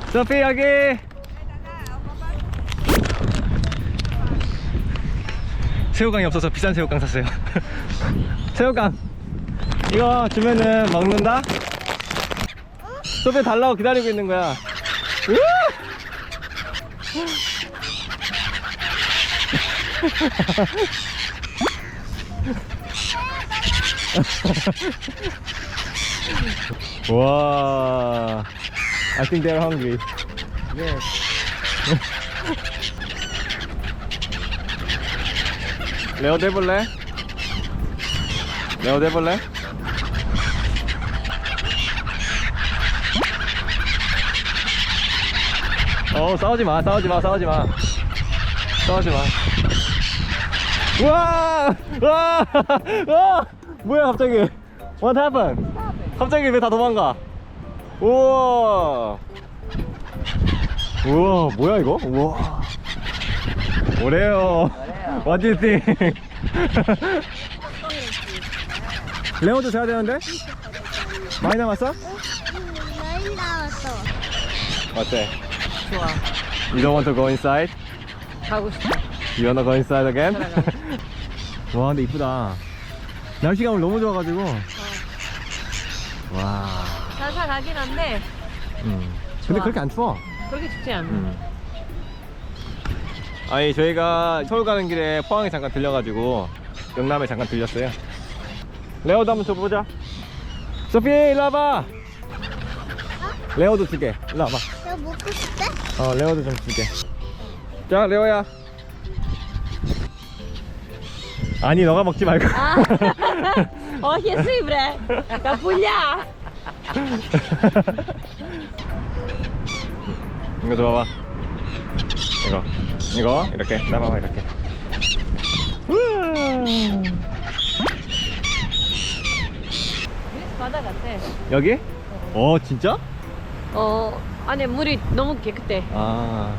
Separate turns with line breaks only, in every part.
소피 여기. 새우깡이 없어서 비싼 새우깡 샀어요. 새우깡 이거 주면은 먹는다? 소피 달라고 기다리고 있는 거야. 와, I think they're hungry.
Yes.
레오 대볼래? 레오 대볼래? 싸우지마 싸우지마 싸우지마 싸우지마. 우와! 와! 와! 뭐야 갑자기? What happened? 갑자기 왜 다 도망가? 우와! 우와 뭐야 이거? 우와! 오레오. What do you think? 레오도 자야 되는데? 많이 남았어?
많이 나왔어.
어때?
좋아.
You don't want to go inside?
가고 싶어.
You wanna go inside again?
들어가.
와 근데 이쁘다. 날씨가 오늘 너무 좋아가지고. 와.
살살 가긴 한데
근데
좋아.
그렇게 안 추워.
그렇게 춥지 않아.
아니 저희가 서울 가는 길에 포항에 잠깐 들려가지고 영남에 잠깐 들렸어요. 레오도 한번 줘보자. 소피 일로 와봐. 레오도 주게. 일로 와봐.
너 먹고 싶대?
레오도 좀 주게. 자 레오야. 아니 너가 먹지 말고.
Oh, che sempre! Capuglia!
이거 줘봐봐. 이거 이렇게 나봐봐 이렇게.
바다 같아.
여기? 진짜?
안에 물이 너무 깨끗해.
아.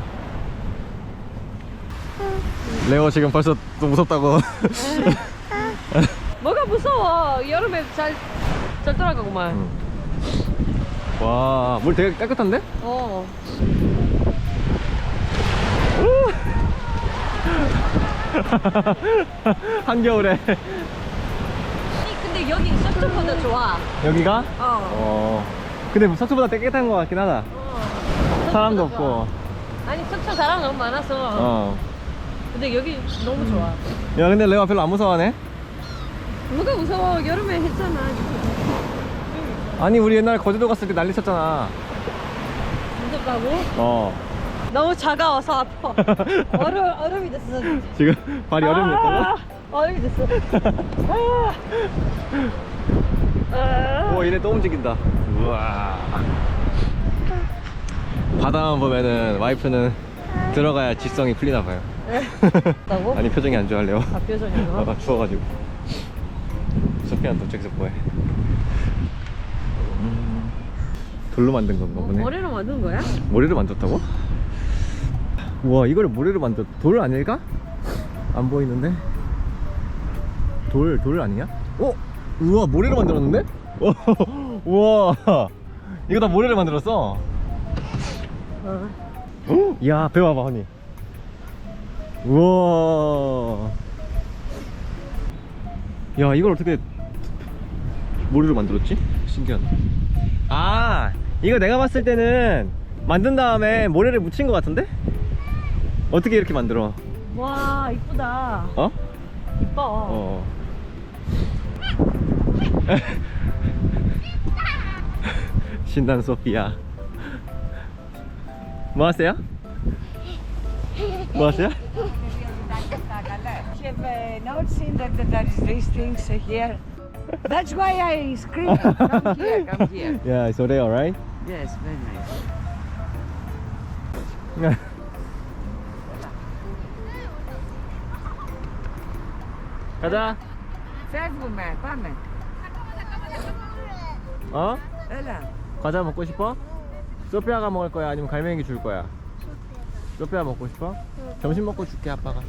레오 지금 벌써 또 무섭다고.
뭐가 무서워? 여름에 잘 돌아가구만.
와, 물 되게 깨끗한데? 한겨울에.
근데 여기 서쪽보다 좋아.
여기가? 근데 석초보다 깨끗한 것 같긴 하다. 사람도
서쪽보다
없고.
좋아. 아니 서쪽 사람 너무 많아서. 근데 여기 너무 좋아.
야, 근데 레오가 별로 안 무서워하네?
뭐가 무서워? 여름에 했잖아.
아니, 우리 옛날에 거제도 갔을 때 난리 쳤잖아.
무섭다고? 너무 차가워서 아파. 얼음이 됐어.
지금 발이 얼음이 됐다고?
얼음이 됐어.
오, 얘네 또 움직인다. 우와. 바다만 보면은 와이프는 들어가야 지성이 풀리나 봐요.
있다고?
아니, 표정이 안 좋아할래요.
표정이
아까 추워가지고. 소피안 도착해서 뭐해? 돌로 만든 건가 보네.
모래로 만든 거야?
모래로 만졌다고? 우와, 이거를 모래로 만졌. 돌 아닐까? 안 보이는데. 돌 아니야? 우와, 모래로 만들었는데? 우와, 이거 다 모래로 만들었어. 야, 배 봐봐, 허니. 우와. 야, 이걸 어떻게 모래로 만들었지? 신기하다. 아, 이거 내가 봤을 때는 만든 다음에 모래를 묻힌 것 같은데? 어떻게 이렇게 만들어?
와, 이쁘다. 이뻐.
신난 소피아. 뭐 하세요? 뭐 하세요?
You've not seen that there is these things here. That's why I scream. Come here, come here.
Yeah, it's already alright.
Yes, very nice.
가자.
Φεύγουμε, πάμε. Έλα.
과자 먹고 싶어? 소피아가 먹을 거야? 아니면 갈매기 줄 거야? 소피아 먹고 싶어? 점심 먹고 줄게, 아빠가.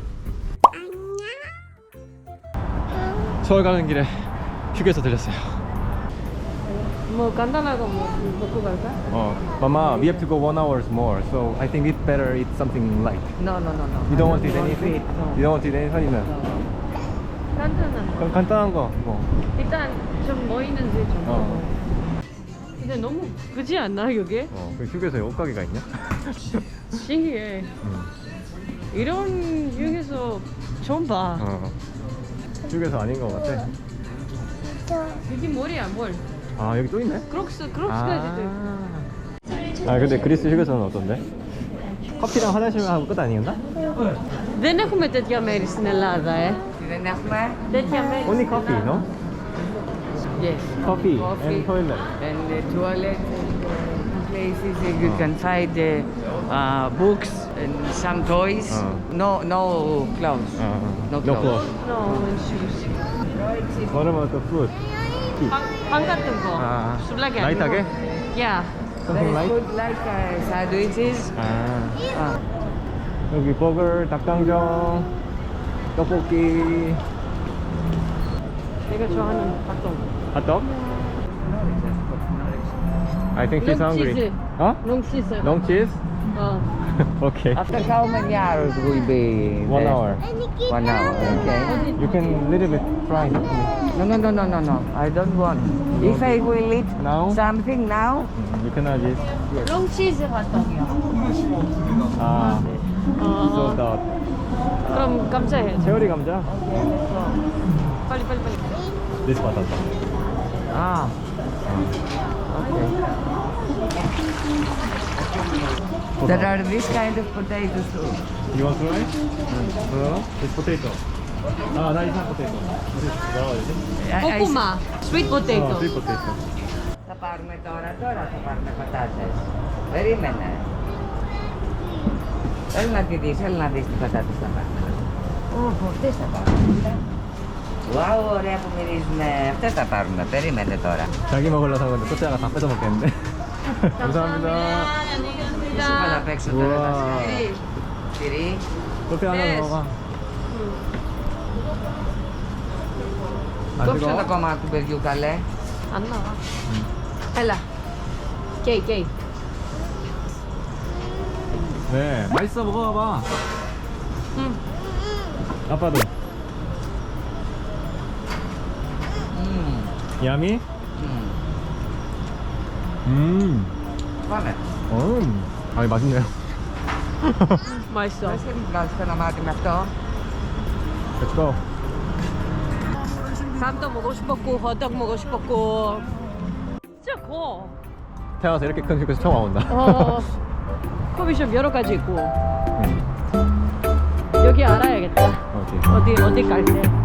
서울 가는 길에 휴게소 들렸어요.
뭐 간단한 거 뭐 먹고 갈까?
Mama, we have to go 1 hour more, so I think it's better eat something light.
No.
You don't want to eat
want
anything?
No.
You don't want to eat anything?
No.
간단한 거.
그럼 간단한 거. 뭐.
일단 좀 뭐 있는지 좀.
어.
근데 너무 그지 않나 여기?
그 휴게소에 옷가게가 있냐?
신기해. 이런 휴게소 처음 봐.
휴게소 아닌 것 같아.
여기 뭘이야 뭘?
아 여기 또 있네?
크록스까지도.
아 근데 그리스 휴게소는 어떤데? 커피랑 화장실만 하고 끝 아니었나?
Δεν έχουμε τέτοια μέρη στην Ελλάδα,
Δεν έχουμε.
Τέτοια μέρη.
Only coffee, no?
Yes.
Coffee
Coffee.
and toilet.
And the toilet places you can find books and some toys. No clothes.
No
clothes.
clothes.
No, and shoes.
What about the food?
빵 같은 거.
아,
술라게
라이트하게?
Yeah.
Something
There is
light?
food like sandwiches.
아, 여기 버거, 닭강정, 떡볶이,
내가 좋아하는 닭똥.
핫도그? I think she's
Long
hungry.
cheese.
Huh?
Long cheese.
Long cheese? Okay.
After how many hours will be
1
there?
hour.
1 hour, okay.
You can little bit try.
No. I don't want. If I will eat
Now?
something now,
You cannot eat.
Long cheese 핫도그요.
아, so
어.
that.
그럼 감사해.
체어리 감자?
빨리.
This patata.
okay. There are this kind of potatoes too.
You want to try? It's potato. 아, 나 이상 potato. 뭐라고 해야 되지?
꼬꼬마. Sweet potato.
sweet potato.
Θα πάρουμε τώρα θα πάρουμε πατάτες. Περίμενε. Έλα να τη δεις, τι πατάτες θα πάρουμε. Αυτές θα πάρουμε. 와우, ωραία που μυρίζουνε. Αυτές θα πάρουμε, περίμενε τώρα.
자기 먹으려고 산 건데 소짜가 다 뺏어 먹겠는데? 감사합니다.
안녕히
Σου είπα να
계십니다.
παίξω τώρα.
우와.
Τυρί.
소피 하나
Yes.
먹어. 안
Κόψε το
뜨거워?
κομμάτι του παιδιού καλέ.
안 나와. έλα. 게이.
네, 맛있어 먹어봐봐.
응.
아빠도. 야미?
Πάμε.
아니 맛있네요.
맛있어.
Πες και μου βγάζεις ένα μάτι με αυτό.
Let's go.
감도 먹고 싶었고 호떡 먹고 싶었고. 진짜 커.
태어나서 이렇게 큰 휴게소 처음 와본다.
커피숍 여러 가지 있고. 여기 알아야겠다.
어디?
어디 갈 때.